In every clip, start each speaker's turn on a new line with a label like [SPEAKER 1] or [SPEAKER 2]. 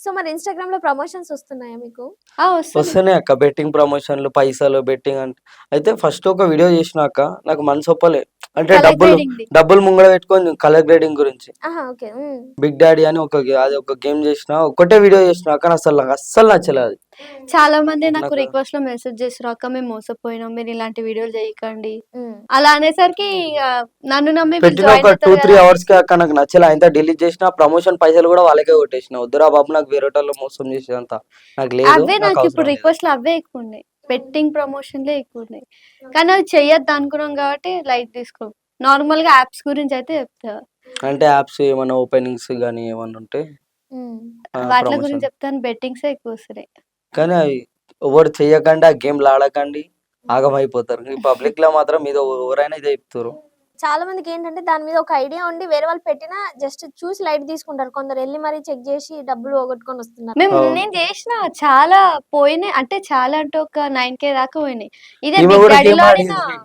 [SPEAKER 1] So మరి ఇన్‌స్టాగ్రామ్‌లో promotions వస్తున్నాయా మీకు?
[SPEAKER 2] వస్తుంది.
[SPEAKER 3] వస్తున్నాయి అక్క బెట్టింగ్ ప్రమోషన్‌లు, పైసలు బెట్టింగ్ అంటే. అయితే ఫస్ట్ ఒక వీడియో చేసినా అక్క. నాకు మనసొప్పలే. అంటే
[SPEAKER 2] కలర్
[SPEAKER 3] డబ్బులు
[SPEAKER 2] గ్రేడింగ్‌ది.
[SPEAKER 3] డబ్బులు ముంగడ పెట్టుకొని కలర్ గ్రేడింగ్ గురించి.
[SPEAKER 1] ఆహా! ఓకే. హ్మ్.
[SPEAKER 3] బిగ్ డాడీ అని అది ఒక గేమ్ చేసినా. ఒక్కటే వీడియో చేసినా కానీ నాకు అస్సలు నచ్చలే అది.
[SPEAKER 2] చాలా మంది నాకు
[SPEAKER 3] నాకు
[SPEAKER 2] రిక్వెస్ట్‌లో మెసేజ్ చేసిర్రు. "అక్క మేము మోసపోయినాం. మీరు ఇలాంటి వీడియోలు చేయకండి."
[SPEAKER 1] హ్మ్.
[SPEAKER 2] అలా అనేసరికి ఇగ నన్ను నమ్మి వీళ్ళు
[SPEAKER 3] పెట్టిన
[SPEAKER 2] జాయిన్
[SPEAKER 3] ఒక
[SPEAKER 2] అవుతారు
[SPEAKER 3] 2, 3
[SPEAKER 2] కదా అని
[SPEAKER 3] అవర్స్‌కే అక్క నాకు నచ్చలే. అంతా డిలీట్ చేసిన. ప్రమోషన్ పైసలు కూడా వాళ్ళకే కొట్టేసిన. వద్దురా బాబు నాకు వేరేటోళ్ళు మోసం చేసేదంతా నాకు లేదు.
[SPEAKER 2] అవే
[SPEAKER 3] నాకు
[SPEAKER 2] నాకిప్పుడు
[SPEAKER 3] అవసరం లేదు.
[SPEAKER 2] రిక్వెస్ట్‌లు అవే ఎక్కువున్నాయి. బెట్టింగ్ ప్రమోషన్‌లే ఎక్కువున్నాయి. కానీ అవి చెయ్యొద్దు అనుకున్నాం కాబట్టి లైట్ తీసుకోం. నార్మల్‌గా యాప్స్ గురించి అయితే చెప్తా.
[SPEAKER 3] అంటే యాప్స్ ఏమన్నా ఓపెనింగ్స్ గాని ఏమన్నా ఉంటే
[SPEAKER 1] హ్మ్.
[SPEAKER 2] వాట్ల
[SPEAKER 3] ప్రమోషన్.
[SPEAKER 2] గురించి చెప్తాను బెట్టింగ్సే ఎక్కువొస్తున్నాయి.
[SPEAKER 3] కానీ అవి ఎవరు చెయ్యకండి. ఆ గేమ్‌లు ఆడకండి. ఆగమైపోతారు. ఈ పబ్లిక్‌లో మాత్రం మీద ఎవరైనా ఇదే చెప్తుర్రు.
[SPEAKER 1] చాలా మందికేంటంటే దాని మీద ఒక ఐడియా ఉండి వేరే వాళ్ళు పెట్టినా జస్ట్ చూసి లైట్ తీసుకుంటారు. కొందరెళ్లి మరీ చెక్ జేసి డబ్బులు పోగొట్టుకొనొస్తున్నారు.
[SPEAKER 3] అవును.
[SPEAKER 2] నేను చేషిన చాలా పోయినాయి. అంటే చాలా అంటే ఒక 9,000 దాకా పోయినాయి. ఇదే
[SPEAKER 3] ఈమె
[SPEAKER 2] బిగ్
[SPEAKER 3] కూడా గేమ్
[SPEAKER 2] డాడీలో ఆడిన
[SPEAKER 3] ఆడింది.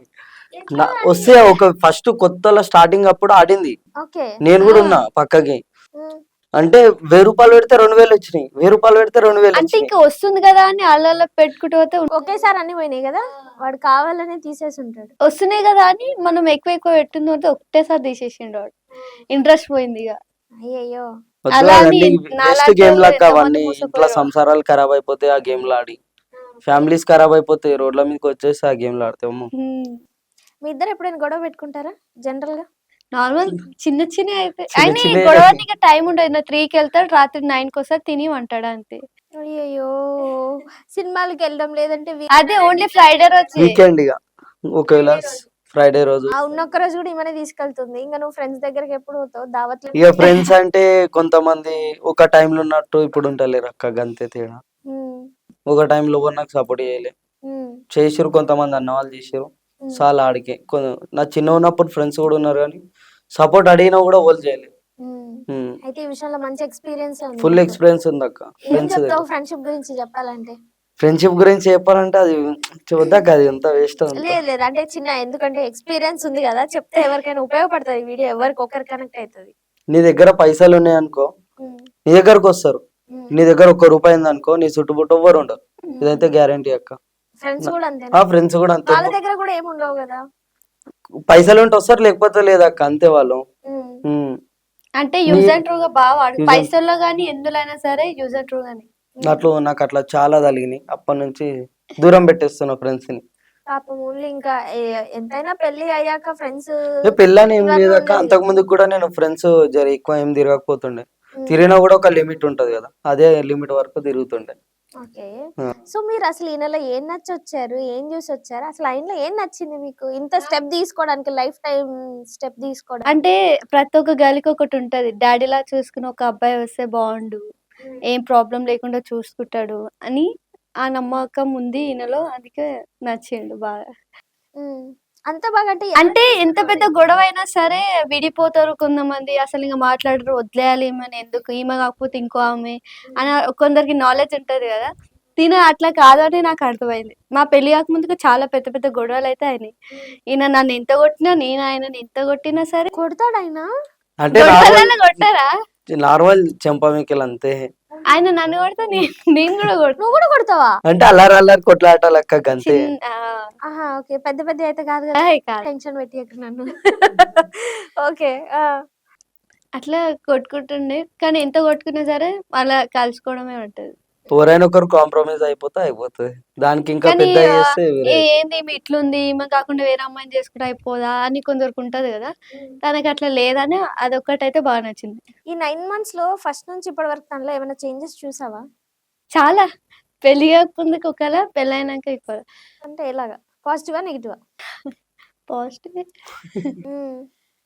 [SPEAKER 3] వస్తే ఒక ఫస్ట్ కొత్తలో స్టార్టింగ్ అప్పుడు ఆడింది.
[SPEAKER 1] ఓకే.
[SPEAKER 3] నేను
[SPEAKER 2] ఆ!
[SPEAKER 3] కూడా ఉన్నా పక్కకి.
[SPEAKER 1] హ్మ్.
[SPEAKER 3] అంటే రూ. 1000 పెడితే 2000 వచ్చినాయి. రూ. 1000 పెడితే 2000
[SPEAKER 2] అంటే
[SPEAKER 3] వచ్చినాయి.
[SPEAKER 2] ఇంక వస్తుంది గదా అని అల్లల్ల పెట్టుకుంటూ పోతే
[SPEAKER 1] ఒకేసారి అన్ని పోయినాయి గదా! వాడు కావాలనే తీసేసుంటాడు.
[SPEAKER 2] వస్తున్నాయి గదా అని మనం ఎక్కువ ఎక్కువ పెట్టిన తర్వాత ఒకటేసారి తీసేసిండు వాడు. ఇంట్రెస్ట్ పోయిందిగ.
[SPEAKER 1] అయ్యయ్యో!
[SPEAKER 3] వద్దు
[SPEAKER 2] అలా అని
[SPEAKER 3] అదండి. వేస్ట్ గేమ్
[SPEAKER 2] నాలాంటోళ్ళు
[SPEAKER 3] లక్క
[SPEAKER 2] ఎంతమంది
[SPEAKER 3] అవన్నీ. ఇంట్లో
[SPEAKER 2] మోసపోయారో.
[SPEAKER 3] సంసారాలు ఖరాబ్ అయిపోతాయి ఆ గేమ్‌లు ఆడి. ఫ్యామిలీస్ ఖరాబ్ అయిపోతాయి. రోడ్ల మీదకి వచ్చేసి ఆ గేమ్‌లు ఆడితే అమ్మో!
[SPEAKER 2] హ్మ్.
[SPEAKER 1] మీ ఇద్దరు ఎప్పుడైనా గొడవ పెట్టుకుంటారా జనరల్‌గా?
[SPEAKER 2] నార్మల్ చిన్న చిన్నయి అయితాయి.
[SPEAKER 3] చిన్న
[SPEAKER 2] అయినా ఈ
[SPEAKER 3] చిన్నయి.
[SPEAKER 2] గొడవనికి టైం ఉండదు. నా 3కెళ్తాడు. రాత్రి 9కొస్తాడు. తిని పంటాడు అంతే.
[SPEAKER 1] అయ్యయ్యో! సినిమాలకెళ్ళడం లేదంటే
[SPEAKER 2] అదే ఓన్లీ ఫ్రైడే రోజే.
[SPEAKER 3] వీకెండ్ ఇగ. ఒకవేళ ఫ్రైడే రోజు.
[SPEAKER 1] ఉన్నొక్క రోజు గూడా ఈమెనే తీసుకెళ్తుంది. ఇంక నువ్వు ఫ్రెండ్స్ దగ్గరికి ఎప్పుడు పోతావు? దావత్‌లు
[SPEAKER 3] ఇగ ఫ్రెండ్స్ అంటే కొంతమంది ఒక టైంలో ఉన్నట్టు ఇప్పుడు ఉంటలేరక్క గంతే తేడా.
[SPEAKER 1] హ్మ్.
[SPEAKER 3] ఒక టైంలో ఎవరు నాకు సపోర్ట్ చేయలే.
[SPEAKER 1] హ్మ్.
[SPEAKER 3] చేసిర్రు కొంతమంది అన్నవాళ్ళు చేసిర్రు.
[SPEAKER 1] హ్మ్.
[SPEAKER 3] సాలు ఆడికే. నా చిన్నగున్నప్పుడు ఫ్రెండ్స్ కూడా ఉన్నారు గానీ, సపోర్ట్ అడిగినా కూడా ఎవళ్ళు చేయలే.
[SPEAKER 1] హ్మ్.
[SPEAKER 3] హ్మ్.
[SPEAKER 1] అయితే ఈ విషయంలో మంచి ఎక్స్‌పీరియన్సే ఉంది
[SPEAKER 3] ఫుల్
[SPEAKER 1] నీకు.
[SPEAKER 3] ఎక్స్‌పీరియన్స్ ఉందక్క
[SPEAKER 1] ఏం
[SPEAKER 3] ఫ్రెండ్స్ దగ్గర.
[SPEAKER 1] చెప్తావు ఫ్రెండ్‌షిప్ గురించి చెప్పాలంటే?
[SPEAKER 3] ఫ్రెండ్‌షిప్ గురించి చెప్పాలంటే అది చూద్దక్క అది అంతా వేస్ట్ అదంతా.
[SPEAKER 1] లేదు లేదు. అంటే ఎందుకంటే ఎక్స్‌పీరియన్స్ ఉంది గదా! చెప్తే ఎవరికైనా ఉపయోగపడతది ఈ వీడియో. ఎవరికొకరికి కనెక్ట్ అయితది.
[SPEAKER 3] నీ దగ్గర పైసలున్నాయనుకో,
[SPEAKER 1] హ్మ్.
[SPEAKER 3] నీ దగ్గరకొస్తారు.
[SPEAKER 1] హ్మ్.
[SPEAKER 3] నీ దగ్గర ఒక్క రూపాయి ఉందనుకో, నీ చుట్టుముట్టు ఎవ్వరు ఉండరు.
[SPEAKER 1] హ్మ్.
[SPEAKER 3] ఇదైతే గ్యారంటీ అక్క.
[SPEAKER 1] ఫ్రెండ్స్
[SPEAKER 3] న
[SPEAKER 1] గూడా అంతేనా?
[SPEAKER 3] ఫ్రెండ్స్ కూడా అంతే.
[SPEAKER 1] వాళ్ళ దగ్గర గూడా ఏముండవు గదా!
[SPEAKER 3] పైసలుంటే వస్తారు లేకపోతే లేదక్క అంతే వాళ్ళు.
[SPEAKER 1] హ్మ్.
[SPEAKER 3] హ్మ్.
[SPEAKER 2] అంటే
[SPEAKER 3] నీ
[SPEAKER 2] యూజ్ అండ్ త్రోగా బా వాడు.
[SPEAKER 3] యూజ్ అండ్
[SPEAKER 2] పైసల్లో గాని, ఎందులో అయినా సరే యూజ్ అండ్ త్రో గాని.
[SPEAKER 1] హ్మ్.
[SPEAKER 3] నాకట్లా చాలా తలిగినాయి. అప్పటినుంచి దూరం పెట్టేస్తున్నా ఫ్రెండ్స్‌ని.
[SPEAKER 1] పాపం ఓన్లీ ఇంకా ఎంతైనా పెళ్లి అయ్యాక ఫ్రెండ్స్
[SPEAKER 3] పెళ్ళని ఏం
[SPEAKER 1] ఇవన్నీ
[SPEAKER 3] లేదక్క.
[SPEAKER 1] ఉండేది.
[SPEAKER 3] అంతకుముందుకు కూడా నేను ఫ్రెండ్స్ ఎక్కువ ఏం తిరగకపోతుండే.
[SPEAKER 1] హ్మ్.
[SPEAKER 3] తిరిగినా కూడా ఒక లిమిట్ ఉంటది గదా! అదే లిమిట్ వరకు తిరుగుతుండే.
[SPEAKER 1] ఓకే.
[SPEAKER 3] ఆ!
[SPEAKER 1] సో మీరసలు ఈయనలో ఏం నచ్చొచ్చారు? ఏం జూసొచ్చారు? అసలు ఆయనలో ఏం నచ్చింది మీకు? ఇంత స్టెప్ తీసుకోవడానికి లైఫ్ టైమ్ స్టెప్ తీసుకోవడానికి?
[SPEAKER 2] అంటే ప్రతి ఒక్క గర్ల్‌కి ఒకటుంటది. డ్యాడీలా చూసుకునే ఒక అబ్బాయి వస్తే బావుండు. ఏం ప్రాబ్లమ్ లేకుండా చూసుకుంటాడు అని ఆ నమ్మకం ఉంది ఈయనలో. అందుకే నచ్చిండు బాగా.
[SPEAKER 1] హ్మ్. అంత బాగా అంటే
[SPEAKER 2] అంటే ఎంత పెద్ద గొడవైనా సరే విడిపోతారు కొంతమంది. అసలింక మాట్లాడరు. వదిలేయాలి ఈమెని ఎందుకు ఈమె కాకపోతే ఇంకో ఆమె అని కొందరికి నాలెడ్జ్ ఉంటది గదా! తిను అట్లా కాదని నాకు అర్థమైంది. మా పెళ్లి కాకముందుకు చాలా పెద్ద పెద్ద గొడవలైతే అయినాయి. ఈయన నన్ను ఎంత కొట్టినా, నేను ఆయనని ఎంత కొట్టినా సరే
[SPEAKER 1] కొడతాడాయన?
[SPEAKER 3] అంటే
[SPEAKER 2] గొడవలలో కొట్టరా?
[SPEAKER 3] నార్మల్ చెంపమిక్కలు అంతే.
[SPEAKER 2] ఆయన నన్ను కొడితే నేను గూడా కొడతా.
[SPEAKER 1] నువ్వు గూడా కొడతావా?
[SPEAKER 3] అంటే అల్లరి అల్లరి కొట్లాటలక్క గంతే.
[SPEAKER 2] ఆ!
[SPEAKER 1] ఆహా! ఓకే. పెద్ద పెద్దయి అయితే కాదు గదా!
[SPEAKER 2] కాదు.
[SPEAKER 1] టెన్షన్ పెట్టియకు నన్ను. ఓకే. ఆ!
[SPEAKER 2] అట్లా కొట్టుకుంటుండే. కానీ ఎంత కొట్టుకున్నా సరే అలా కలుసుకోవడమే ఉంటది.
[SPEAKER 3] ఎవరైనా ఒకరు కాంప్రమైజ్ అయిపోతే అయిపోతది. దానికి ఇంకా
[SPEAKER 2] కానీ
[SPEAKER 3] పెద్దగా చేస్తే వేరే అయితది.
[SPEAKER 2] ఏంది ఈమె ఇట్లుంది, ఈమె కాకుండా వేరే అమ్మాయిని చేసుకుంటే అయిపోదా అని కొందరికుంటది గదా! తనకట్లా లేదని అదొక్కటైతే బాగా నచ్చింది.
[SPEAKER 1] ఈ 9 మంత్స్‌లో ఫస్ట్ నుంచి ఇప్పటి వరకు తనలో ఏమైనా చేంజెస్ చూసావా?
[SPEAKER 2] చాలా పెళ్లి కాకముందుకు ఒకలా, పెళ్లయినాక ఇంకోలా.
[SPEAKER 1] అంటే ఎలాగా? పాజిటివా? నెగెటివా?
[SPEAKER 2] పాజిటివే.
[SPEAKER 1] హ్మ్.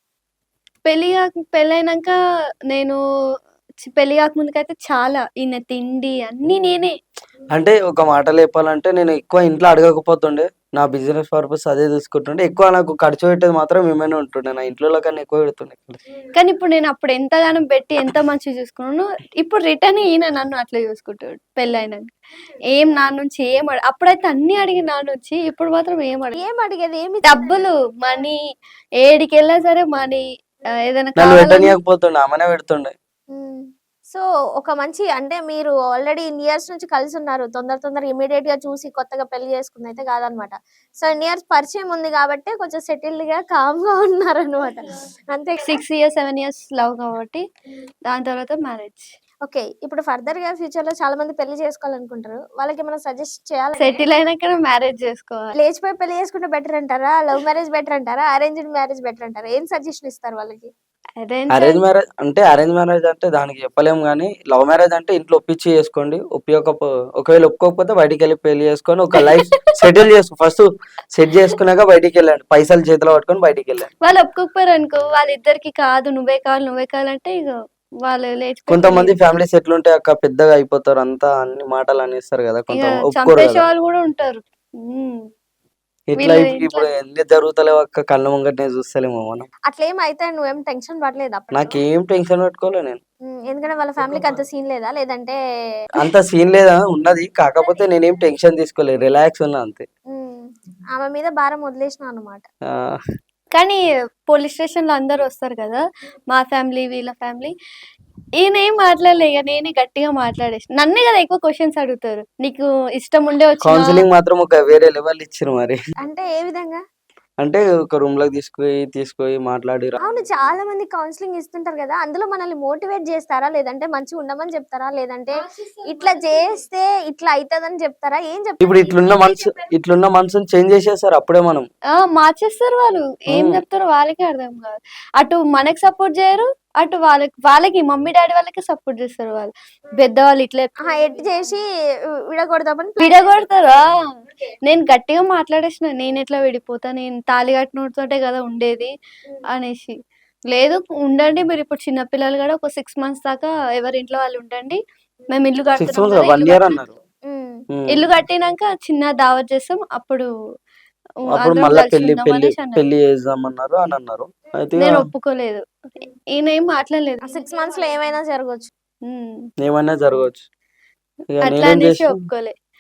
[SPEAKER 2] పెళ్లయినంక నేను పెళ్లి కాకముందుకైతే చాలా ఈయన తిండి అన్నీ నేనే.
[SPEAKER 3] అంటే ఒక మాటలో చెప్పాలంటే నేను ఎక్కువ ఇంట్లో అడగకపోతుండే. నా బిజినెస్ పర్పస్ అదే చూసుకుంటుండే. ఎక్కువ నాకు ఖర్చు పెట్టేది మాత్రం ఈమెనే ఉంటుండే. నా ఇంట్లోల కన్నా ఎక్కువ పెడుతుండే.
[SPEAKER 2] కానీ ఇప్పుడు నేను అప్పుడు ఎంతగానం పెట్టి ఎంత మంచిగా చూసుకున్నానో, ఇప్పుడు రిటర్న్ ఈయన నన్ను అట్లా చూసుకుంటాడు పెళ్లయినంక. ఏం నా నుంచి అప్పుడైతే అన్నీ అడిగిండు నా నుంచి. ఇప్పుడు మాత్రం ఏం అడగడు.
[SPEAKER 1] ఏం అడిగేది?
[SPEAKER 2] డబ్బులు, మనీ ఏడికెళ్ళినా సరే మనీ ఏదైనా
[SPEAKER 3] నన్ను
[SPEAKER 2] కావాలన్నా
[SPEAKER 3] పెట్టనీయకపోతుండే. ఆమెనే పెడుతుండే.
[SPEAKER 1] హ్మ్. సో ఒక మంచి అంటే మీరు ఆల్రెడీ ఇన్ని ఇయర్స్ నుంచి కలిసి ఉన్నారు. తొందర ఇమ్మీడియేట్ గా చూసి కొత్తగా పెళ్లి చేసుకుంది అయితే కాదనమాట. సో ఇన్ని ఇయర్స్ పరిచయం ఉంది కాబట్టి కొంచెం సెటిల్డ్ గా కామ్ గా ఉన్నారనమాట. అంతే
[SPEAKER 2] 6 ఇయర్స్ 7 ఇయర్స్ లవ్ కాబట్టి దాని తర్వాత మ్యారేజ్.
[SPEAKER 1] ఓకే. ఇప్పుడు ఫర్దర్ గా ఫ్యూచర్ లో చాలా మంది పెళ్లి చేసుకోవాలనుకుంటారు. వాళ్ళకి ఏమైనా సజెస్ట్ చేయాలి?
[SPEAKER 2] సెటిల్ అయినాక మ్యారేజ్ చేసుకోవాలి.
[SPEAKER 1] లేచిపోయి పెళ్లి చేసుకుంటే బెటర్ అంటారా? లవ్ మ్యారేజ్ బెటర్ అంటారా? అరేంజ్డ్ మ్యారేజ్ బెటర్ అంటారా? ఏం సజెషన్ ఇస్తారు వాళ్ళకి?
[SPEAKER 3] అరేంజ్ మ్యారేజ్ అంటే దానికి చెప్పలేము కానీ, లవ్ మ్యారేజ్ అంటే ఇంట్లో ఒప్పించి చేసుకోండి. ఒకవేళ ఒప్పుకోకపోతే బయటికి వెళ్ళి పెళ్లి చేసుకొని ఒక లైఫ్ సెటిల్ చేసుకో. ఫస్ట్ సెట్ చేసుకున్నాక బయటికి వెళ్ళండి. పైసలు చేతిలో పట్టుకొని బయటికి వెళ్ళండి.
[SPEAKER 2] వాళ్ళు ఒప్పుకోకపోయారు అనుకో, వాళ్ళిద్దరికి కాదు నువ్వే కావాలంటే ఇక వాళ్ళు లేచిపోయి
[SPEAKER 3] కొంతమంది ఫ్యామిలీస్ ఎట్లుంటే అక్క పెద్దగా అయిపోతారు, అంతా అన్ని మాటలు అనేస్తారు కదా,
[SPEAKER 2] ఇక
[SPEAKER 3] కొంత ఒప్పుకోరు
[SPEAKER 2] చంపేసే
[SPEAKER 3] కదా.
[SPEAKER 2] వాళ్ళు కూడా ఉంటారు. ఉమ్.
[SPEAKER 3] ఇట్లా
[SPEAKER 2] వీళ్ళు
[SPEAKER 3] ఇప్పుడు ఎన్ని జరుగుతలేవు అక్క, కళ్ళ ముంగటనే చూస్తలేము మనం.
[SPEAKER 1] అట్లేం అయితే నువ్వేం టెన్షన్ పడలేదు అప్పుడు?
[SPEAKER 3] నాకేం టెన్షన్ పెట్టుకోలే నేను.
[SPEAKER 1] ఎందుకంటే వాళ్ళ ఫ్యామిలీకి అంత సీన్ లేదా? లేదంటే
[SPEAKER 3] అంత సీన్ లేదా, ఉన్నది. కాకపోతే నేనేం టెన్షన్ తీసుకోలేదు, రిలాక్స్ ఉన్నా అంతే.
[SPEAKER 1] ఆమె మీద భారం వదిలేసిన అనమాట.
[SPEAKER 3] ఆ,
[SPEAKER 2] కానీ పోలీస్ స్టేషన్ లో అందరు వస్తారు కదా, మా ఫ్యామిలీ వీళ్ళ ఫ్యామిలీ, ఈయన ఏం మాట్లాడలే. ఇక నేనే గట్టిగా మాట్లాడేసి, నన్నే కదా ఎక్కువ క్వశ్చన్స్ అడుగుతారు, నీకు ఇష్టం ఉండే వచ్చిన
[SPEAKER 3] కౌన్సిలింగ్ మాత్రం ఒక వేరే లెవెల్ ఇచ్చారు మరి.
[SPEAKER 1] అంటే ఏ విధంగా?
[SPEAKER 3] అంటే ఒక రూమ్ లోకి తీసుకొని మాట్లాడి
[SPEAKER 1] అవును, చాలా మంది కౌన్సిలింగ్ ఇస్తుంటారు కదా, అందులో మనల్ని మోటివేట్ చేస్తారా? లేదంటే మంచిగా ఉండమని చెప్తారా? లేదంటే ఇట్లా చేస్తే ఇట్లా అవుతుందని చెప్తారా? ఏం చెప్తారు?
[SPEAKER 3] ఇప్పుడు ఇట్లున్న మనసుని చేంజ్ చేసేస్తారు అప్పుడే మనం.
[SPEAKER 2] మార్చేస్తారు వాళ్ళు. ఏం చెప్తారో వాళ్ళకే అర్థం కాదు. అటు మనకి సపోర్ట్ చేయరు, అటు వాళ్ళకి మమ్మీ డాడీ వాళ్ళకి సపోర్ట్ చేస్తారు. వాళ్ళు పెద్దవాళ్ళు ఇట్లా
[SPEAKER 1] ఎట్ చేసి విడగొడదామని
[SPEAKER 2] విడగొడతారా. నేను గట్టిగా మాట్లాడేసిన, నేను ఎట్లా విడిపోతా, నేను తాళి కట్టినోడితోటే కదా ఉండేది అనేసి. లేదు ఉండండి, మీరు ఇప్పుడు చిన్నపిల్లలు కూడా ఒక 6 మంత్స్ దాకా ఎవరి ఇంట్లో వాళ్ళు ఉండండి, మేము ఇల్లు
[SPEAKER 3] 6
[SPEAKER 2] కడుతున్నాం
[SPEAKER 3] months
[SPEAKER 2] కదా,
[SPEAKER 3] 1 year అన్నారు.
[SPEAKER 2] ఇల్లు కట్టినాక చిన్న దావత్ చేస్తాం, అప్పుడు
[SPEAKER 3] అప్పుడు
[SPEAKER 2] అందరం
[SPEAKER 3] మళ్ళీ
[SPEAKER 2] కలిసి ఉందాం అనేసి అన్నారు.
[SPEAKER 3] పెళ్లి చేద్దామన్నారు అని అన్నారు. అయితే
[SPEAKER 2] నేను ఒప్పుకోలేదు. ఈయన ఏం మాట్లాడలేదు.
[SPEAKER 1] 6 months లో ఏమైనా జరగవచ్చు.
[SPEAKER 2] ఉమ్.
[SPEAKER 3] ఏమైనా జరగవచ్చు. ఇక
[SPEAKER 2] అట్లా
[SPEAKER 3] నేనేం
[SPEAKER 2] అనేసి
[SPEAKER 3] చేసిన,
[SPEAKER 2] ఒప్పుకోలే.